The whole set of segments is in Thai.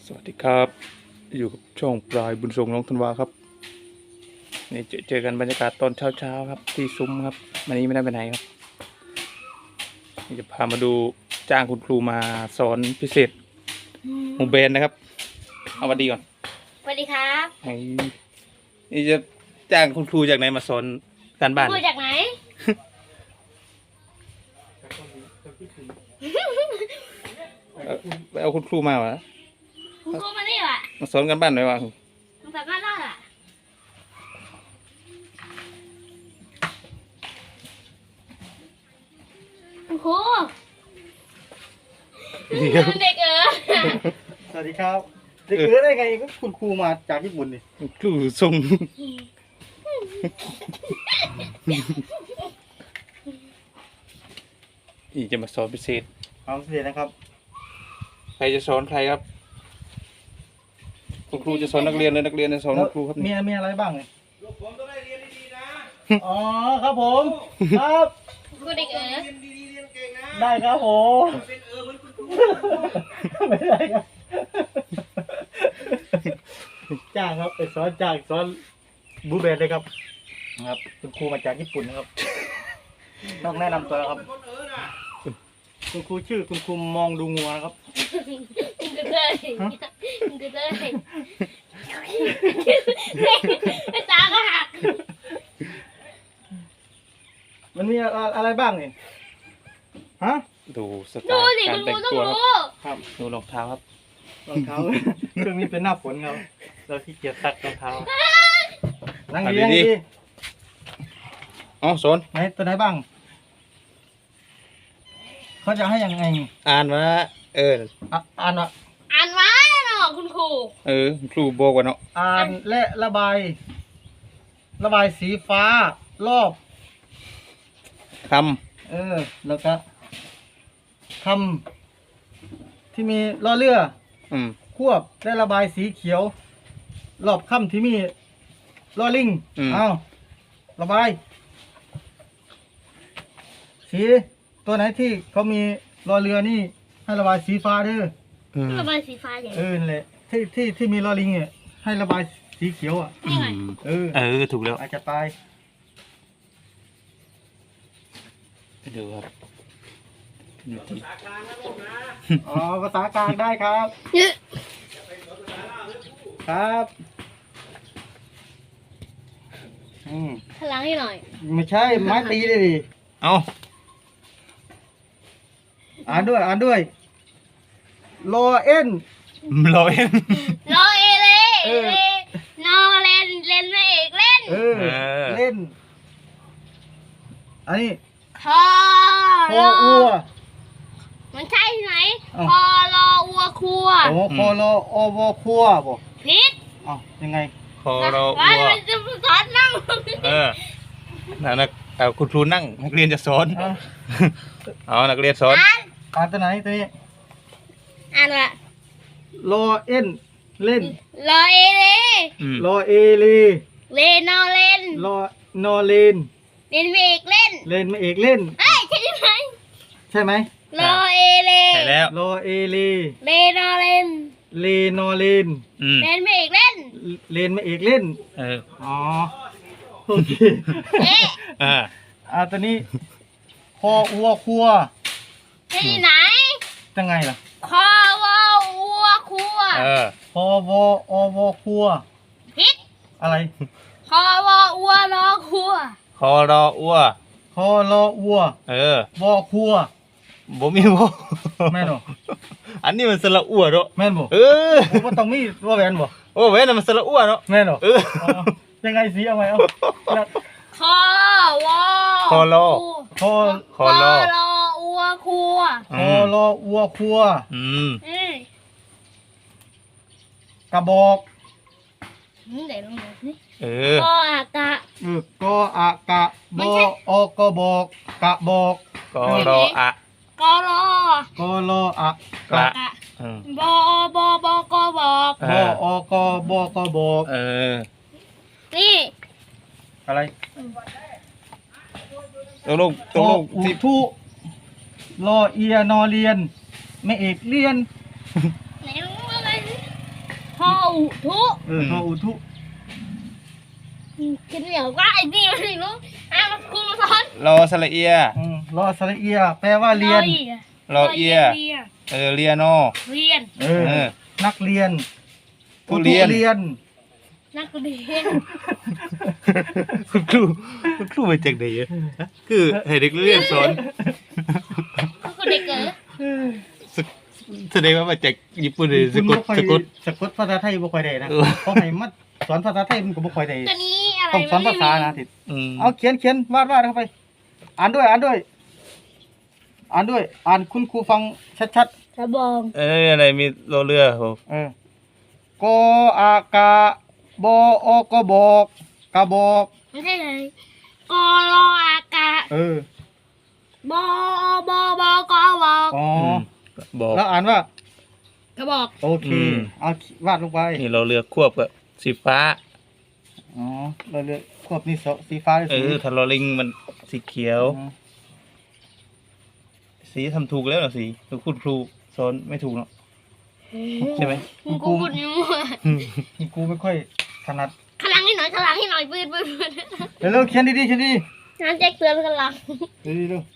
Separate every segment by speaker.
Speaker 1: สวัสดีครับอยู่กับช่องปลายบุญทรงน้องธันวาครับนี่เจอกันบรรยากาศตอนเช้าครับที่ซุ้มครับวันนี้ไม่ได้ไปไหนครับนี่จะพามาดูจ้างคุณครูมาสอนพิเศษหมู่เบนนะครับเอาวันดีก่อน
Speaker 2: สวัสดีครับ
Speaker 1: นี่จะจ้างคุณครูจากไหนมาสอนการบ้าน
Speaker 2: ครูจากไหน
Speaker 1: ไปเอาคุณครูมาวะ
Speaker 2: คุณครูมานี่วะ
Speaker 1: มาสอนการบ้านหน่อยวะ
Speaker 2: มาจากบ้านล่ะคุณครูเด็ก
Speaker 3: สวัสดีครับเด็กได้ไงก็คุณครูมาจากญี่ปุ่นนี่
Speaker 1: ครูทรงนี่จะมาสอนพิเศษ
Speaker 3: พิเศษนะครับ
Speaker 1: ใครจะสอนใครครับคุณครูจะสอนนักเรียนเลยนักเรียนจะสอนคุณครูครับ
Speaker 3: มีอะไรบ้างเนี่ยผมต้องได้เรียนดีๆนะอ๋อครับผมครับ
Speaker 2: ครูเด็ก
Speaker 3: เรียนดีๆเรียนเก่งนะได้ครับผมเป็นเหมือนคุณครูไม่ได้ครับจ้างครับไปสอนบูเบสเลยครับคุณครูมาจากญี่ปุ่นนะครับต้องแนะนำตัวครับคุณครูชื่อคุณครูมองดูงัวนะครับ
Speaker 2: ไม่ตาก็หัก
Speaker 3: มันมีอะไรบ้างเนี่ยฮะ
Speaker 1: ดูสไตล์การแต่งตัวครับดูรองเท้าครับ
Speaker 3: รองเท้าเครื่องนี้เป็นหน้าฝนครับเราที่เกียจซักรองเท้านั่งดี
Speaker 1: อ๋อสอน
Speaker 3: ไหนตัวไหนบ้างเขาจะให้ยังไง
Speaker 1: อ่านมา
Speaker 3: อ่าน
Speaker 2: ไว้เนาะคุณครู
Speaker 1: ครูบอกว่าเนาะ
Speaker 3: อ่านและระบายสีฟ้ารอบ
Speaker 1: ค
Speaker 3: ำแล้วก็คำที่มีล้อเรือควบและระบายสีเขียวรอบคำที่มีล้อลิงเอาระบายสีตัวไหนที่เขามีล้อเรือนี่ให้ระบายสีฟ้าเด้อ
Speaker 2: ระบายสีฟ้าอย่าง
Speaker 3: นั่นแหละที่มีล้อลิงเนี่ยให้ระบายสีเขียว
Speaker 1: ถูกแล้ว
Speaker 3: อาจจะไป
Speaker 1: ดูครับ
Speaker 3: ภาษากลางได้ครับครับ
Speaker 2: พลังให้หน่อย
Speaker 3: ไม่ใช่ไม้ตีเลยดิ
Speaker 1: เอา
Speaker 3: อ่านด้วยรอเอ็น
Speaker 2: รอเอเลยนอเล่นไม่เอกเล่น
Speaker 3: เล่นอันนี้
Speaker 2: คอ
Speaker 3: อัว
Speaker 2: มันใช่ไหมคอรออัวครัว
Speaker 3: คอรออวครัวบอก
Speaker 2: พิษ
Speaker 3: ยังไง
Speaker 1: คอรออัว
Speaker 2: จะสอนนั่ง
Speaker 1: คุณครูนั่งนักเรียนจะสอนนักเรียนสอน
Speaker 3: อ่านตัวไหนตัวนี้
Speaker 2: อ่านว่
Speaker 3: ารอเอ็นเล่น
Speaker 2: รอเอเล
Speaker 3: รอเอเล
Speaker 2: เลนอเล่น
Speaker 3: รอนอเลน
Speaker 2: เล่นไม่เอกเล่น
Speaker 3: ไม่เอกเล่นใช่ไหม
Speaker 2: รอเอเล
Speaker 1: ใช่แล้ว
Speaker 3: รอเอเล
Speaker 2: เลนอเล่น
Speaker 3: นอเลน
Speaker 2: เล่นไม่เอกเล่น
Speaker 3: ไม่เอกเล่นโอเคตัวนี้คออัวครัว
Speaker 2: ที่ไหน
Speaker 3: จังไงล่ะ
Speaker 2: คอวออัวครัว
Speaker 3: คอวออวครัว
Speaker 2: พิษ
Speaker 3: อะไร
Speaker 2: คอวออัวรอครัว
Speaker 1: คอรออัว
Speaker 3: คอรออัววอครัว
Speaker 1: บ่มีบ่
Speaker 3: แม่นบ่
Speaker 1: อันนี้มันสระอัวเนาะ
Speaker 3: แม่นบ่บ่ต้องมีว่าแหวนบ่
Speaker 1: แหวนมันสระอัวเนาะ
Speaker 3: แม่นบ่ยังไงสิเอาไว้
Speaker 2: คอวอ
Speaker 1: คอรอ
Speaker 2: อัวครัว
Speaker 3: คอรออัวครัวกระบอก
Speaker 2: เดี๋ยวลองดูสิ
Speaker 3: กออากะกออากะบออกบอกกะบอก
Speaker 1: กอรออะ
Speaker 2: กอร
Speaker 3: อะ
Speaker 2: กะบอบกบอก
Speaker 3: บออกบอกบอก
Speaker 2: นี่
Speaker 3: อะไร
Speaker 1: ตรง
Speaker 3: ที่ทุรอเอียนอเรียนไม่เอกเรียน
Speaker 2: อุทุ
Speaker 3: ทออุทุ
Speaker 2: คิดเหนียวก็ไอ้นี่ไม่รู้มาคุณมาสอน
Speaker 1: รอสระเอีย
Speaker 3: รอสระเอียแปลว่าเรียน
Speaker 1: รอเอียเรียนอ
Speaker 2: เรียน
Speaker 3: นักเรียน
Speaker 1: ผู้เรียน
Speaker 3: เรียน
Speaker 2: นักเรียน
Speaker 1: คุณครูมาจากไหนอะคือให้เด็กเรียนสอน
Speaker 2: ก็คือเด็กเก๋
Speaker 1: แสดงว่ามาจากญี่ปุ่นเลยสะกด
Speaker 3: สะกดภาษาไทยบ่ค่อยได้นะเขาให้มาสอนภาษาไทยมันก็บ่ค่อยได้
Speaker 2: ตัวนี้อะไร
Speaker 3: ต้องสอนภาษานะทิศ
Speaker 1: อืม
Speaker 3: เอาเขียนวาดเข้าไป อ่านด้วยอ่านคุณครูฟังชัด
Speaker 2: กระบอง
Speaker 1: อะไรมีรอเรือโห
Speaker 3: ๆกอากาบอกบอกกระบอก
Speaker 2: ไม่ใช่เลยกอรออากาศบอบกอบอ
Speaker 3: อ๋อ
Speaker 1: บอก
Speaker 3: แล้วอ่านว่า
Speaker 2: กระบอก
Speaker 3: โอเค เอาวาดลงไป
Speaker 1: นี่เราเรือควบกับสีฟ้า
Speaker 3: อ๋อเราเลือกควบนี่สีฟ้าหรือสี
Speaker 1: ถ้าเราลิงมันสีเขียว สีทำถูกแล้วเหรอสีคุณครูสอนไม่ถูกเนาะใช่ไหม
Speaker 2: กูพูดมั่ว
Speaker 3: กูไม่ค่อยถนัด
Speaker 2: ขลังให้หน่อยขลังให้หน่อยปืน
Speaker 3: เร็วๆเขียนดีๆ
Speaker 2: น้ำแจ็คเตือนขลัง
Speaker 3: เร็ว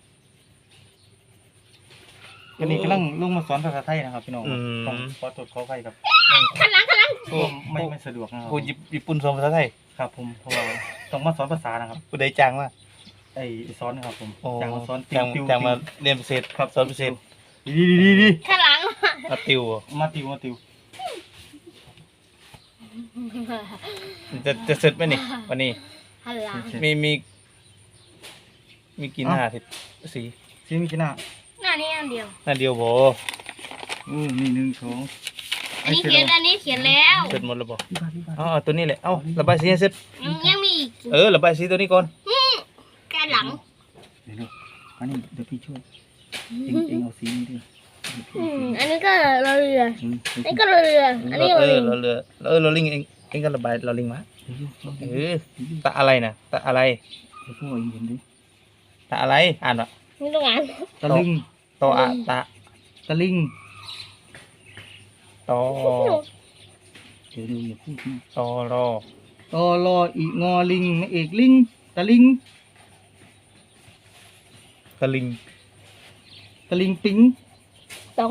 Speaker 3: วันนี้กำลังลงมาสอนภาษาไทยนะครับพี่น้องต้องขอตรวจขอไฟครับ
Speaker 2: ขลัง
Speaker 3: ไม่สะดวกนะครับ
Speaker 1: ผู้ญี่ปุ่นสอนภาษาไทย
Speaker 3: ครับผมเพราะว่าต้องมาสอนภาษานะครับ
Speaker 1: ผู้ใดจ้างว่า
Speaker 3: ไอ้สอนครับผมจ้างมาสอน
Speaker 1: จ้างมาเรียนพิเศษครับสอนพิเศษ
Speaker 3: ดี
Speaker 2: ขลัง
Speaker 1: มาติวเหรอ
Speaker 3: มาติว
Speaker 1: จะเสร็จไหมนี่วันนี้
Speaker 2: ขลัง
Speaker 1: มีกี่หน้าทิศสี
Speaker 3: ซีมีกี่หน้า
Speaker 2: หน้านี้อันเดียว
Speaker 1: หน้าเดียวโบ
Speaker 3: มี1 2
Speaker 2: อันนี้เขียนแล้ว
Speaker 1: เสร็จหมดแล้วบ่อ๋อตัวนี้แหละเอ้าระบายสีให้เสร็จ
Speaker 2: ยังมีอีก
Speaker 1: ระบายสีตัวนี้ก่อน
Speaker 2: แกหลัง
Speaker 3: เร็วๆอันนี้เดี๋ยวพี่ช่วยเองเอาสีนี้ด้วย
Speaker 2: อันนี้ก็เรืออันนี้ก็เรืออันนี้
Speaker 1: เราลิงเองก็ระบายเราลิงมาตะอะไรนะตะอะไร
Speaker 3: เดี๋ยวพวกเองเห็นดิ
Speaker 1: ตะอะไรอ่านวะ
Speaker 2: นี่ตรงนั้น
Speaker 3: ตะลึง
Speaker 1: ตออะตะ
Speaker 3: ตะลิง
Speaker 1: ตอ
Speaker 3: เดี๋ยวอย่าพูดนะ
Speaker 1: ตอรอ
Speaker 3: ตอรออีงอลิงไม่เอกลิงตะลิง
Speaker 1: ตะลิง
Speaker 3: ตะลิงปิง
Speaker 2: ต้อง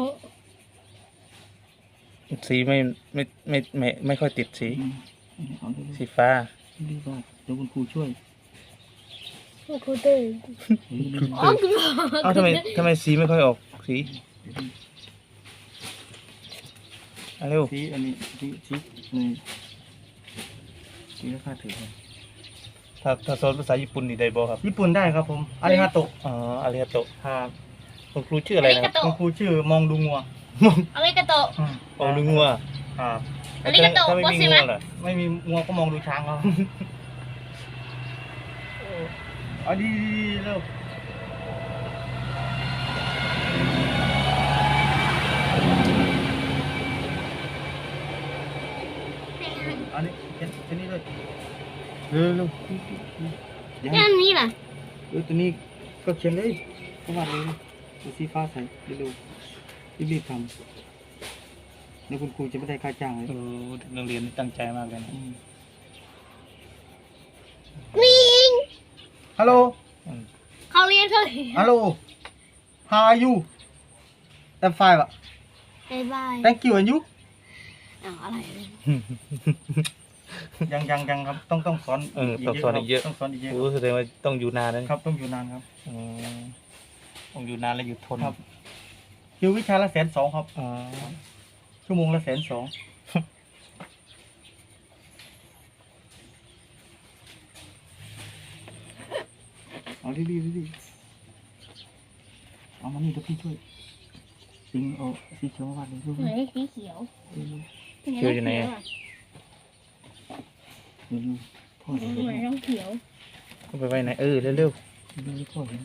Speaker 1: สีไม่ค่อยติดสี
Speaker 3: เอาเร็ว
Speaker 1: สีฟ้า
Speaker 3: ๆรีบว่าเดี๋ยวคุณครูช่วย
Speaker 2: ครูตื่น
Speaker 3: เร็ว
Speaker 2: อ๋อครู
Speaker 1: เอ้าทำไมสีไม่ค่อยออกสีเร็ว
Speaker 3: ๆสีอันนี้สีนี่สีราคาถือครับ
Speaker 1: ถ้าสอนภาษาญี่ปุ่นนี่ได้บ่ครับ
Speaker 3: ญี่ปุ่นได้ครับผมอาริฮาโตะ
Speaker 1: อ๋ออาริฮาโตะ
Speaker 3: ครับ
Speaker 1: คุณครูชื่ออะไรนะครับ
Speaker 3: คุณครูชื่อมองดูงัว
Speaker 2: อะไรกระโตะ
Speaker 1: โอ้ลุงงัว
Speaker 3: ครับ
Speaker 2: อาริฮาโตะ
Speaker 1: ถ้าไม่มีงัวล่ะ
Speaker 3: ไม่มีงัวก็มองดูช้างครับเอาดีๆเร็วอันนี้เขียนนี่เลยเร็วๆอย่าให้
Speaker 2: ด้านนี้ล่ะ
Speaker 3: ตัวนี้ก็เขียนเลยก็วาดเลยตัวสีฟ้าใส่เร็วๆรีบๆทำเดี๋ยวคุณครูจะไม่ได้ค่าจ้างเลย
Speaker 1: นักเรียนตั้งใจมากเลยนะ
Speaker 2: วิ่ง
Speaker 3: ฮัลโหล
Speaker 2: เขาเรียนเขา
Speaker 3: ฮัลโหล how are you I'm fine อ่ะ
Speaker 2: บายบาย
Speaker 3: thank you and you
Speaker 2: อะไร
Speaker 3: ยังครับต้องสอน
Speaker 1: ต้องสอนอีกเยอะ
Speaker 3: ต้องสอนอีกเยอะ
Speaker 1: โอ้แสดงว่าต้องอยู่นานนะครับ
Speaker 3: ต้องอยู่นานครับ
Speaker 1: ต้องอยู่นานและอยู่ทน
Speaker 3: ครับ คิววิชาละ120,000ครับ
Speaker 1: อ๋อ
Speaker 3: ชั่วโมงละ120,000เอาดีเอามานี่เดี๋ยวพี่ช่วยสิงเอาสีเขียวมาวาดเลยลูก
Speaker 2: ไหนสีเขียว
Speaker 1: เขียวอยู่ไหนอะ
Speaker 3: พ่อ
Speaker 2: ไห
Speaker 3: เห็น
Speaker 2: นต้องเขียว
Speaker 1: เอาไปไว้ไหนเร็ว
Speaker 3: เดี๋ยวพ่อเห็น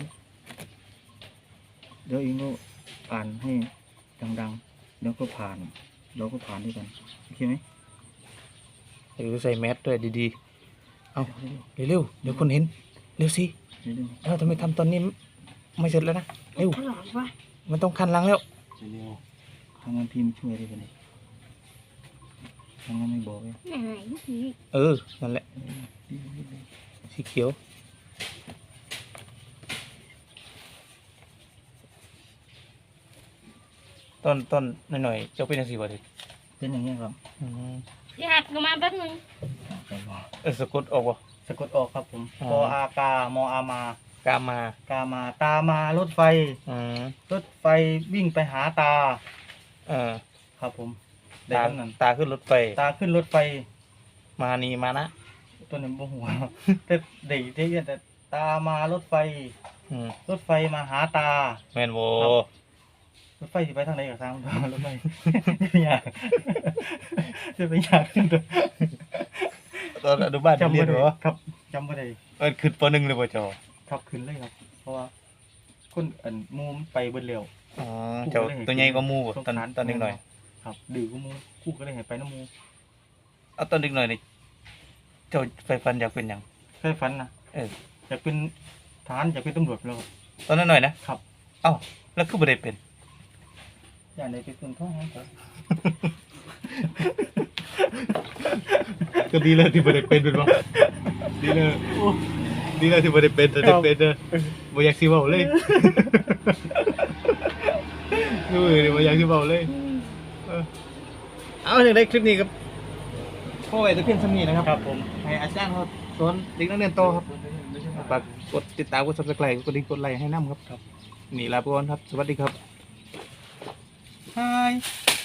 Speaker 3: เดี๋ยวเองก็อ่านให้ดังๆแล้วก็ผ่านเราก็ผ่านด้วยกันโอเคไหม
Speaker 1: ใส่แมสด้วยดีๆเอาเร็วเดี๋ยวคนเห็นเร็วสิ
Speaker 3: เร็ว
Speaker 1: ทำไมทำตอนนี้ไม่เสร็จแล้วนะเร็ว
Speaker 2: ข้างหลังวะ
Speaker 1: มันต้องคันหลังแล้ว
Speaker 3: เร็วทำงานทีมช่วยได้กันเลยมันยังไม่บอกเลย
Speaker 2: ไหน
Speaker 1: เออนั่นแหละสีเขียวต้นหน่อยๆเจ้าเป็นยังสีบ่ดิ
Speaker 3: เป็นอย่างนี้ครับ
Speaker 2: อยากมาแป๊บนึง
Speaker 1: สะกดออกวะ
Speaker 3: สะกดออกครับผม
Speaker 1: อ๋อ
Speaker 3: ปออากามออามา
Speaker 1: กามา
Speaker 3: กามาตามารถไฟ
Speaker 1: อืม
Speaker 3: รถไฟวิ่งไปหาตา
Speaker 1: เออ
Speaker 3: ครับผมได้
Speaker 1: ตา
Speaker 3: คำนั้น
Speaker 1: ตาขึ้นรถไฟ
Speaker 3: ตาขึ้นรถไฟ
Speaker 1: มานีมานะ
Speaker 3: ตัวนี้บ่หัว แต่เด็กที่แต่ตามารถไฟ
Speaker 1: อืม
Speaker 3: รถไฟมาหาตา
Speaker 1: แมนโว
Speaker 3: ครับ รถไฟสิไปทางไหนกับทาง รถไฟ อยากจะไปอยากขึ้นตัว
Speaker 1: ตอนอนุบาล
Speaker 3: จำ
Speaker 1: เรี
Speaker 3: ไม่
Speaker 1: ยน
Speaker 3: ได้
Speaker 1: เหรอ
Speaker 3: ครับจำไม่ได้
Speaker 1: ขึ้นปหนึ่งเลยป่ะจอ
Speaker 3: ครับขึ้นเลยครับ เพราะว่าคนมูมนไปเบิดเร็ว
Speaker 1: อ๋อเจ้าตัวใหญ่ก็มูบ่ตอน
Speaker 3: สงสาร
Speaker 1: ตอนเด็กหน่อย
Speaker 3: ครับดื้อก็มูคู่ก็เลยให้ไปน้ำมู
Speaker 1: เอาตอนเด็กหน่อยนี่เจ้าไฟฟันอยากเป็นหยัง
Speaker 3: เคยฝันนะ
Speaker 1: เออ
Speaker 3: อยากเป็นทหารอยากเป็นตำรวจแล้วครับ
Speaker 1: ตอนนั้นหน่อยนะครับ เอ้าแล้วคือบ่ได้เป็น
Speaker 3: อยากได้เป็นทหารครับ
Speaker 1: ก็ดีแล้วที่บ่ได้เป็นบ่ดีแล้วดีแล้วที่บ่ได้เป็นแต่ได้เป็นเด้อบ่อยากสิเว้าเลยนู่นบ่อยากสิเว้าเลยเอาจังได๋คลิปนี้ครับพ่อไว้แต่เพียงเท่านี้นะครับ
Speaker 3: ครับผม
Speaker 1: ให้อาจารย์เขาสอนเด็กนักเรียนโตครับฝากกดติดตามกด Subscribe กดดิ่งกดไลค์ให้นำครับนี่ลาไปก่อนครับ สวัสดีครับ
Speaker 3: Hi